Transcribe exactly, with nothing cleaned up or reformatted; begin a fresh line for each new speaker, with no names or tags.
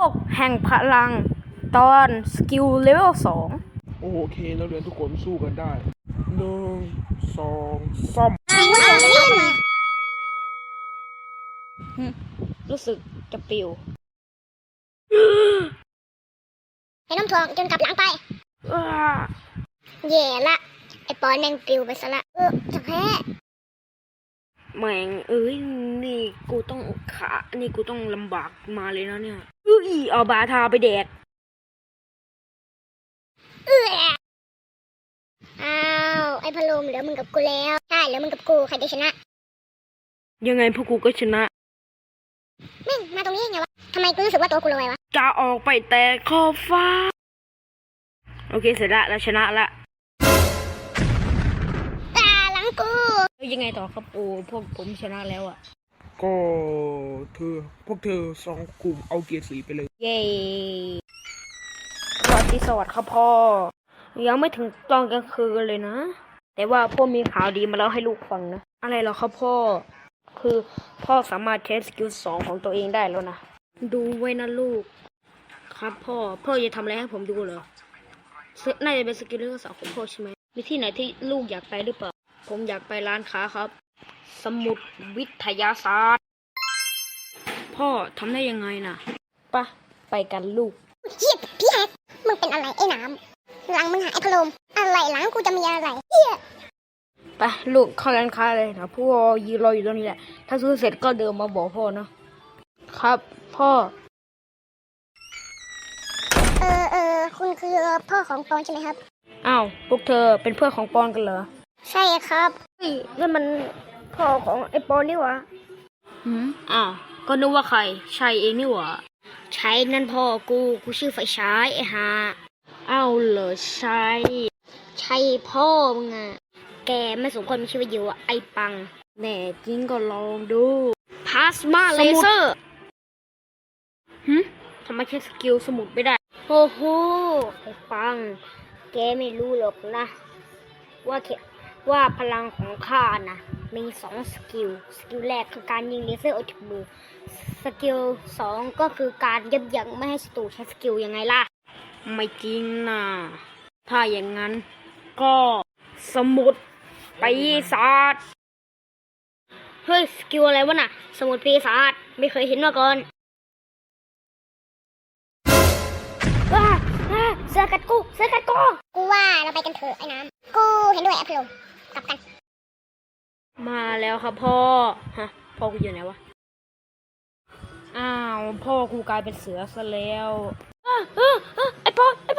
กแห่งพลังตอนสกิลเลเวลสอง
โอเคนักเรียนทุกคนสู้กันได้หนึ่งสองสาม
รู้สึกจะปิว
ไอ้น้ำทองจนกลับหลังไปแย่ละไอ้ปอนแม่งปลิวไปซะละเออจะแพ้
แม่งเอ้ยนี่กูต้องขานี่กูต้องลำบากมาเลยนะเนี่ยเอ้ยเอาบาทาไปแดก
เอออ้าวไอ้พะโลมเหลือมึงกับกูแล้วใช่เหลือมึงกับกูใครจะชนะ
ยังไงพวกกูก็ชนะ
แม่งมาตรงนี้ไงวะทำไมกูรู้สึกว่าตัวกูลอยวะ
จะออกไปแต่ขอบฟ้าโอเคเสร็จละเราชนะละ
ตาหลังกู
แล้วยังไงต่อครับปูพวกผมชนะแล้วอ่ะ
ก็เธอพวกเธอสองกลุ่มเอาเกียร์สีไปเลย
เย้สวัสดีสวัสดีครับพ่อยังไม่ถึงตอนกลางคืนเลยนะแต่ว่าพ่อมีข่าวดีมาเล่าให้ลูกฟังนะอะไรเหรอครับพ่อคือพ่อสามารถเทสสกิลสองของตัวเองได้แล้วนะดูไว้นะลูกครับพ่อพ่อจะทำอะไรให้ผมดูเหรอน่าจะเป็นสกิลเลเวลสองของพ่อใช่ไหมมีที่ไหนที่ลูกอยากไปหรือเปล่าผมอยากไปร้านค้าครับสมุดวิทยาศาสตร์พ่อทำได้ยังไงนะปะไปกันลูก
เฮียพี่แฮกมึงเป็นอะไรไอ้น้ำหลังมึงหาไอ้พะโลมอะไรหลังกูจะมีอะไรเฮีย
ไปลูกเข้าร้านค้าเลยนะพ่อยืนรออยู่ตรงนี้แหละถ้าซื้อเสร็จก็เดินมาบอกพ่อนะครับพ่อ
เออเออคุณคือพ่อของปอนใช่ไหมครับ
อ้าวพวกเธอเป็นเพื่อนของปอนกันเหรอ
ใช่ครับ
เฮ้ยนั่นมันพ่อของไอ้ปอนนี่หวะหืมอ้าวก็นึกว่าใครใช่เองนี่หวะ
ใช่นั่นพ่อกูกูชื่อไฟฉายไอ้ห่า
อ้าวเหรอใช่
ใช่พ่อมึงอะแกไม่สมควรมีชีวิตอยู่อะไอ้ปัง
แน่จริงก็ลองดู
พลาสมาเลเซอร์
หืมทำไมแค่สกิลสมุดไม่ได้
โอ้โหไอ้ปัง แกไม่รู้หรอกนะ ว่าเขว่าพลังของข้านะมีสองสกิล สกิลแรกคือการยิงเลเซอร์ออกจากมือ สกิลสองก็คือการยับยั้งไม่ให้ศัตรูใช้สกิลยังไงล่ะ
ไม่จริงนะถ้าอย่างนั้นก็สมุดปีศาจ
เฮ้ยสกิลอะไรวะน่ะ สมุดปีศาจไม่เคยเห็นมาก่อนว้าว้าเสือกัดกูเสือกัดกูกูว่าเราไปกันเถอะไอ้น้ำกูเห็นด้วยไอ้พะโลมกลับกัน
มาแล้วครับพ่อฮะพ่อกูอยู่ไหนวะอ้าวพ่อกูกลายเป็นเสือซะแล้วอ้าวอ้าวอ้าวไอ้ปอนไอ้